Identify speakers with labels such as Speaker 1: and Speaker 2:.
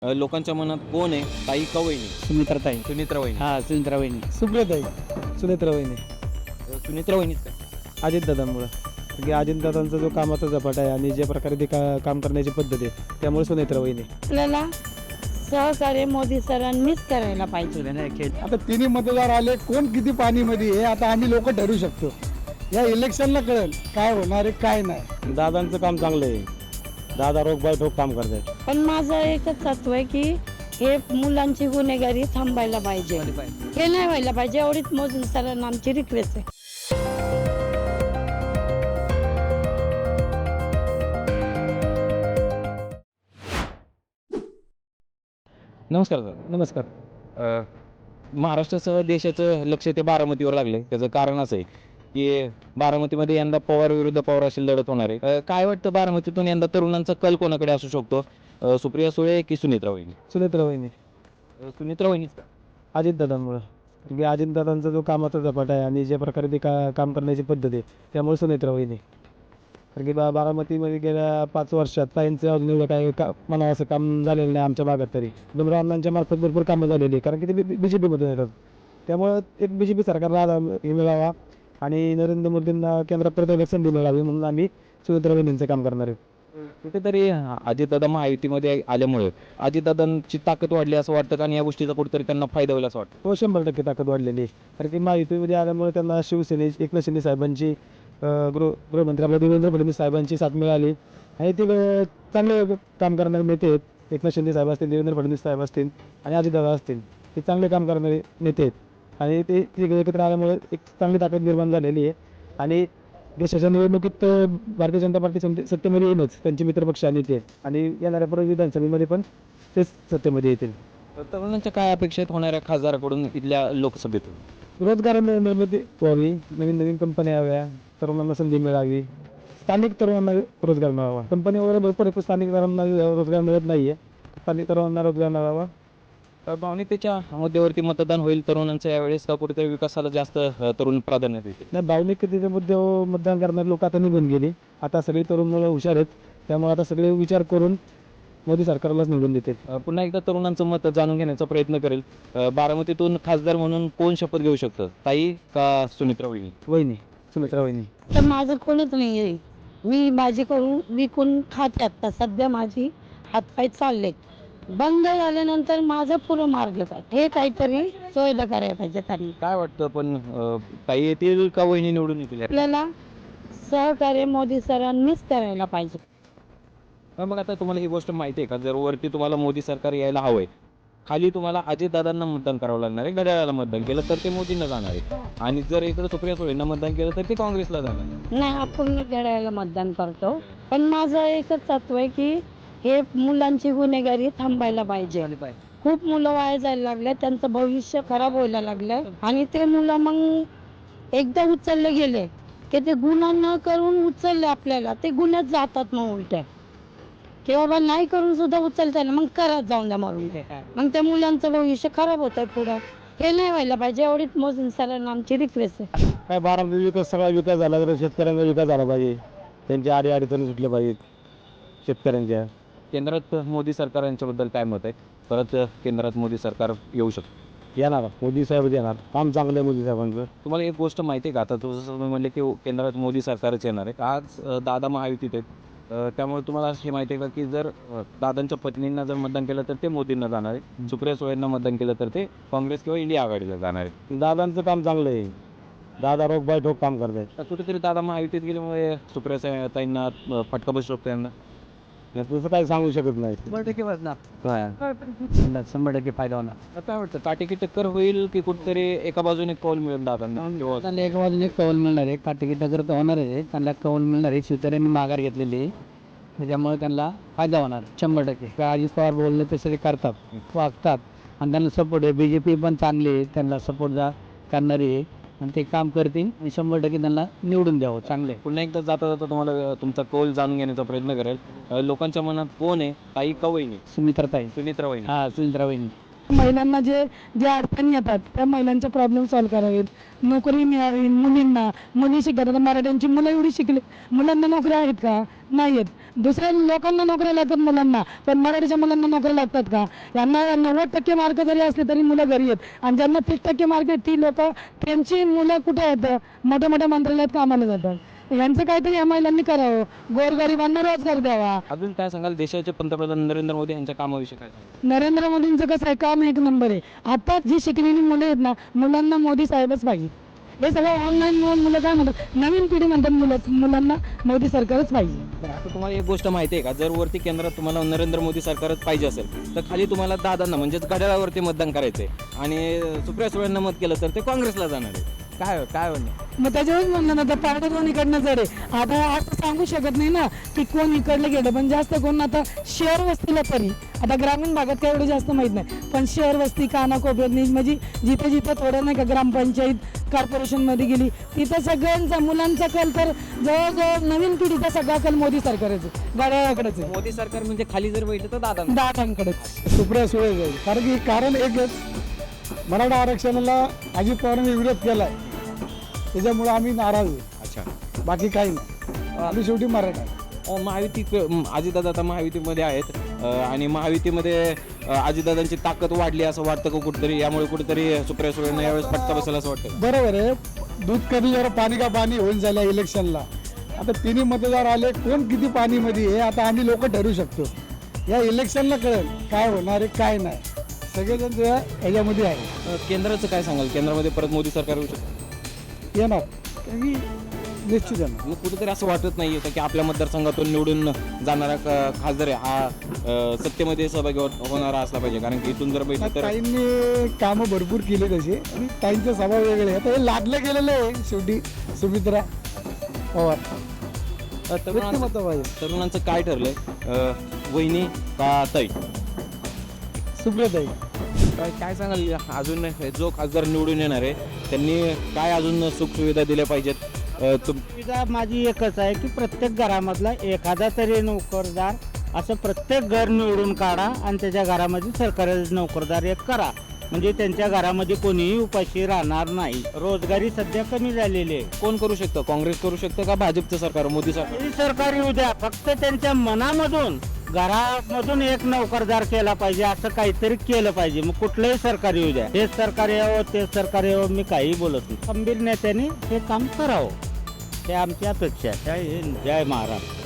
Speaker 1: लोकांच्या मनात कोण आहे, ताई का वहिनी?
Speaker 2: सुमित्राताई.
Speaker 1: सुनित्रा वहिनी.
Speaker 2: हा, सुमित्रा वहिनी.
Speaker 3: सुप्रियाताई. सुनेत्रा वहिनी.
Speaker 1: सुनित्रा वहिनीच का?
Speaker 3: अजितदादांमुळं. की अजितदादांचा जो कामाचा झपाट आहे आणि ज्या प्रकारे ते काम करण्याची पद्धत आहे त्यामुळे सुनेत्रा वहिनी.
Speaker 4: आपल्याला सहकार्य मोदी सरांनीच करायला पाहिजे.
Speaker 3: आता तिन्ही मतदार आले, कोण किती पाणीमध्ये आहे आता आम्ही लोक ठरवू शकतो. या इलेक्शनला कळेल काय होणार आहे काय नाही.
Speaker 5: दादांचं काम चांगलं आहे. दादा रोग बाय ठोक काम करतात.
Speaker 4: पण माझं एकच तत्व आहे की हे मुलांची गुन्हेगारी थांबायला पाहिजे. हे नाही व्हायला पाहिजे, एवढीच मोदी सरांना आमची रिक्वेस्ट आहे.
Speaker 1: नमस्कार सर.
Speaker 3: नमस्कार.
Speaker 1: महाराष्ट्रासह देशाचं लक्ष ते बारामतीवर लागले. त्याचं कारण असं आहे की बारामतीमध्ये यंदा पवार विरुद्ध पवार अशी लढत होणार आहे. काय वाटतं, बारामतीतून यंदा तरुणांचा कल कोणाकडे असू शकतो? सुप्रिया सुळे की सुनित्रा वहिनी?
Speaker 3: सुनेत्रा वहिनी.
Speaker 1: सुनित्रा वहिनीच का?
Speaker 3: अजितदादांमुळं. की अजितदादांचा जो कामाचा झपाट आहे आणि ज्या प्रकारे ते काम करण्याची पद्धत आहे त्यामुळे सुनेत्रा वहिनी. कारण की बारामतीमध्ये गेल्या 5 वर्षात ताईंचं अजून एवढं काय म्हणावं असं काम झालेलं नाही आमच्या भागात तरी. डोंगराव अण्णांच्या मार्फत भरपूर कामं झालेली आहे कारण की ते BJPमधून येतात. त्यामुळं एक BJP सरकारला हे मिळावा आणि नरेंद्र मोदींना केंद्रात परत एक संधी मिळावी म्हणून आम्ही सुनेत्रा वहिनींचं काम करणार आहे.
Speaker 1: कुठेतरी अजितदादा महायुतीमध्ये आल्यामुळे अजितदादांची ताकद वाढली असं वाटतं आणि या गोष्टीचा कुठेतरी त्यांना फायदा होईल असं वाटतं.
Speaker 3: तो 100% ताकद वाढलेली आहे. कारण की महायुतीमध्ये आल्यामुळे त्यांना एकनाथ शिंदे साहेबांची गृहमंत्री आपल्या देवेंद्र फडणवीस साहेबांची साथ मिळाली आणि ते चांगले काम करणारे नेते आहेत. एकनाथ शिंदे साहेब असतील, देवेंद्र फडणवीस साहेब असतील आणि अजितदादा असतील, ते चांगले काम करणारे नेते आहेत आणि ते एकत्र आल्यामुळे एक चांगली ताकद निर्माण झालेली आहे. आणि देशाच्या निवडणुकीत भारतीय जनता पार्टी सत्तेमध्ये येईलच, त्यांचे मित्रपक्ष आणि ते, आणि येणाऱ्या परत विधानसभेमध्ये पण तेच सत्तेमध्ये येतील.
Speaker 1: तरुणांच्या काय अपेक्षित होणाऱ्या खासदाराकडून इथल्या लोकसभेतून?
Speaker 3: रोजगार निर्मिती व्हावी, नवीन कंपन्या याव्या, तरुणांना संधी मिळावी, स्थानिक तरुणांना रोजगार मिळावा. कंपनी वगैरे भरपूर आहे, स्थानिक तरुणांना रोजगार मिळत नाही आहे. स्थानिक तरुणांना रोजगार मिळावा.
Speaker 1: भावनिकतेच्या मुद्द्यावरती मतदान होईल तरुणांचं यावेळेस, का कुठेतरी विकासाला जास्त तरुण प्राधान्य देतील?
Speaker 3: नाही, भावनिकतेच्या मुद्द्यावर मतदान करणारे लोक आता निघून गेली. आता सगळी तरुण मुलं हुशार आहेत, त्यामुळे आता सगळे विचार करून मोदी सरकारलाच निवडून देतील.
Speaker 1: पुन्हा एकदा तरुणांचं मत जाणून घेण्याचा प्रयत्न करेल. बारामतीतून खासदार म्हणून कोण शपथ घेऊ शकतं, ताई का सुनित्रा वहिनी?
Speaker 3: वहिनी, सुमित्रा वहिनी.
Speaker 4: तर माझं कोणच नाही आहे. मी भाजी करून विकून खाते. आता सध्या माझी हातपाय चाललेत. बंद झाल्यानंतर माझं पुरं मार्ग काय हे काहीतरी सोयीला करायला पाहिजे त्यांनी.
Speaker 1: काय वाटतं, पण ताई येतील का वहिनी निवडून येतील?
Speaker 4: आपल्याला सहकार्य मोदी सरांनीच करायला पाहिजे.
Speaker 1: मग आता तुम्हाला ही गोष्ट माहिती आहे का, जर वरती तुम्हाला मोदी सरकार यायला हवंय, खाली तुम्हाला अजितदादांना मतदान करावं लागणार आहे. घड्याळाला मतदान केलं तर ते मोदींना जाणार आहे आणि जर इकडे सुप्रिया सुळेंना मतदान केलं तर ते काँग्रेसला जाणार आहे.
Speaker 4: नाही, आपण घड्याळाला मतदान करतो, पण माझं एकच तत्व आहे की हे मुलांची गुन्हेगारी थांबायला पाहिजे. खूप मुलं वाया जायला लागले, त्यांचं भविष्य खराब व्हायला लागलंय आणि ते मुलं मग एकदा उचलले गेले की ते गुन्हा न करून उचलले आपल्याला, ते गुन्ह्यात जातात मग उलट्या, की बाबा नाही करून सुद्धा उचलता ना, मग करत जाऊन द्या मरून. मग त्या मुलांचं भविष्य खराब होत आहे पुढं. हे नाही व्हायला पाहिजे, एवढीच मोदी सरांना आमची रिक्वेस्ट आहे.
Speaker 5: काय बारामती विकास, सगळा विकास झाला तर शेतकऱ्यांचा विकास झाला पाहिजे. त्यांच्या अडीअडचणी सुटल्या पाहिजेत शेतकऱ्यांच्या.
Speaker 1: केंद्रात मोदी सरकार यांच्याबद्दल काय मत आहे? परत केंद्रात मोदी सरकार येऊ शकतं?
Speaker 5: येणार मोदी साहेब येणार. काम चांगलं आहे मोदी साहेबांचं.
Speaker 1: तुम्हाला एक गोष्ट माहिती आहे का, आता जसं तुम्ही म्हणले की केंद्रात मोदी सरकारच येणार आहे. आज दादा महायुतीत आहेत, त्यामुळे तुम्हाला हे माहिती आहे का की जर दादांच्या पत्नींना जर मतदान केलं तर ते मोदींना जाणार आहे, सुप्रिया सुळेंना मतदान केलं तर ते काँग्रेस किंवा इंडिया आघाडीला जाणार आहे.
Speaker 5: दादांचं काम चांगलं आहे. दादा रोग बाय ठोक काम करतात.
Speaker 1: तर कुठेतरी दादा महायुतीत गेल्यामुळे सुप्रिया ताईंना फटका बसू शकतो यांना.
Speaker 5: तसं काही सांगू शकत नाही.
Speaker 2: 100% वाजणार.
Speaker 1: काय
Speaker 2: 100% फायदा होणार.
Speaker 1: काय वाटतं, काटेकी टक्कर होईल की कुठेतरी एका बाजूने कौल मिळेल दादांना?
Speaker 2: त्यांना एका बाजूने कौल मिळणार आहे, काटेकी टक्कर तर होणार आहे. त्यांना कौल मिळणार आहे. शिवसेनेने माघार घेतलेली आहे, त्याच्यामुळे त्यांना फायदा होणार 100%. अजित पवार बोलले तसे ते करतात, वागतात आणि त्यांना सपोर्ट आहे. BJP पण चांगली आहे, त्यांना सपोर्ट करणारी आहे आणि ते काम करतील आणि 100% त्यांना निवडून द्यावं. चांगले.
Speaker 1: पुन्हा एकदा जाता जाता तुम्हाला तुमचा कौल जाणून घेण्याचा प्रयत्न करेल. लोकांच्या मनात कोण आहे, ताई का वहिनी?
Speaker 2: सुमित्राताई.
Speaker 1: सुनित्रा वहिनी.
Speaker 2: हा, सुमित्रा वहिनी.
Speaker 4: महिलांना जे जे अडचणी येतात त्या महिलांचे प्रॉब्लेम सॉल्व्ह करावेत, नोकरी मिळावी मुलींना. मुली शिकतात, आता मराठ्यांची मुलं एवढी शिकली, मुलांना नोकऱ्या आहेत का? नाही आहेत. दुसऱ्या लोकांना नोकऱ्या लागतात मुलांना, पण मराठीच्या मुलांना नोकऱ्या लागतात का? यांना 90% मार्क जरी असले तरी मुलं घरी आहेत, आणि ज्यांना 30% मार्क आहेत ती लोक, त्यांची मुलं कुठे आहेत? मोठ्या मोठ्या मंत्रालयात कामाला जातात. यांचं काहीतरी या महिलांनी करावं, गोरगरिबांना रोजगार द्यावा.
Speaker 1: अजून काय सांगाल देशाचे पंतप्रधान नरेंद्र मोदी यांच्या कामाविषयी काय सांगाल?
Speaker 4: नरेंद्र मोदींचं कसं आहे, काम एक नंबर आहे. आता जी शिकलेली मुलं आहेत ना, मुलांना मोदी साहेबच पाहिजे. हे सगळं ऑनलाईन मुलं काय म्हणतात, नवीन पिढी म्हणतात मुलांना मोदी सरकारच पाहिजे.
Speaker 1: आता तुम्हाला एक गोष्ट माहिती आहे का, जर वरती केंद्रात तुम्हाला नरेंद्र मोदी सरकारच पाहिजे असेल तर खाली तुम्हाला दादांना म्हणजेच घड्याळावरती मतदान करायचंय, आणि सुप्रिया सुळेंना मत केलं तर ते काँग्रेसला जाणार आहे. काय म्हणणं?
Speaker 4: मग त्याच्यावरच म्हणलं ना, तर पार्टी दोन इकडनं जड आहे. आता असं सांगू शकत नाही ना की कोण इकडलं गेलं, पण जास्त कोण आता शहर वस्तीला तरी, आता ग्रामीण भागात काय एवढं जास्त माहीत नाही, पण शहर वस्ती कानाकोपऱ्यात म्हणजे जिथे जिथे थोडं नाही का ग्रामपंचायत कॉर्पोरेशनमध्ये गेली तिथं सगळ्यांचा मुलांचा कल तर जवळजवळ नवीन पिढीचा सगळा कल मोदी सरकारच गाड्याकडेच आहे.
Speaker 1: मोदी सरकार म्हणजे खाली जर बैठलं तर दादा
Speaker 4: दादांकडेच.
Speaker 3: सुप्रिया सुळे जाईल, कारण की कारण एकच, मराठा आरक्षणाला अजित पवारांनी विरोध केला आहे, त्याच्यामुळे आम्ही नाराज आहे.
Speaker 1: अच्छा.
Speaker 3: बाकी काही नाही, आम्ही शेवटी मराठा आहे.
Speaker 1: महायुती अजितदादा आता महायुतीमध्ये आहेत, आणि महायुतीमध्ये अजितदादांची ताकद वाढली असं वाटतं का कुठेतरी, यामुळे कुठेतरी सुप्रिया सुळेंना यावेळेस फटका बसेल असं वाटतं?
Speaker 3: बरोबर आहे, दूध कमी जरा पाणी का पाणी होऊन झालं इलेक्शनला. आता तिन्ही मतदार आले, कोण किती पाणीमध्ये आहे आता आम्ही लोक ठरवू शकतो. या इलेक्शनला कळेल काय होणार आहे काय नाही, सगळेजण त्या ह्याच्यामध्ये आहे.
Speaker 1: केंद्राचं काय सांगाल, केंद्रामध्ये परत मोदी सरकार येऊ शकतं?
Speaker 3: येणार कारण की निश्चित येणार.
Speaker 1: मग कुठेतरी असं वाटत नाही की आपल्या मतदारसंघातून निवडून जाणारा खासदार आहे हा सत्तेमध्ये सहभागी होणारा असला पाहिजे, कारण की इथून जर बैठलं तर
Speaker 3: ताईंनी कामं भरपूर केले तसे, आणि ताईंचा स्वभाव वेगळे आहे. आता हे लादलं गेलेलं आहे शेवटी सुमित्रा पवार. व्यक्तिमत्व पाहिजे.
Speaker 1: तरुणांचं काय ठरलंय, वहिनी का ताई?
Speaker 3: सुप्रियाताई.
Speaker 1: काय सांगाल, अजून जो खासदार निवडून येणार आहे त्यांनी काय अजून सुखसुविधा दिल्या पाहिजेत?
Speaker 6: सुविधा माझी एकच आहे की प्रत्येक घरामधला एखादा तरी नोकरदार असं प्रत्येक घर निवडून काढा, आणि त्याच्या घरामध्ये सरकारी नोकरदार एक करा, म्हणजे त्यांच्या घरामध्ये कोणीही उपाशी राहणार नाही. रोजगारी सध्या कमी झालेली आहे.
Speaker 1: कोण करू शकतं? काँग्रेस करू शकतं का भाजपचं सरकार, मोदी सरकार?
Speaker 6: ही सरकारी उद्या फक्त त्यांच्या मनामधून घरामधून एक नोकरदार केला पाहिजे, असं काहीतरी केलं पाहिजे. मग कुठलंही सरकारी उद्या, हेच सरकारी यावं तेच सरकारी यावं, मी काही बोलत नाही. खंबीर नेत्याने हे काम करावं, हे आमची अपेक्षा आहे. जय हिंद, जय महाराष्ट्र.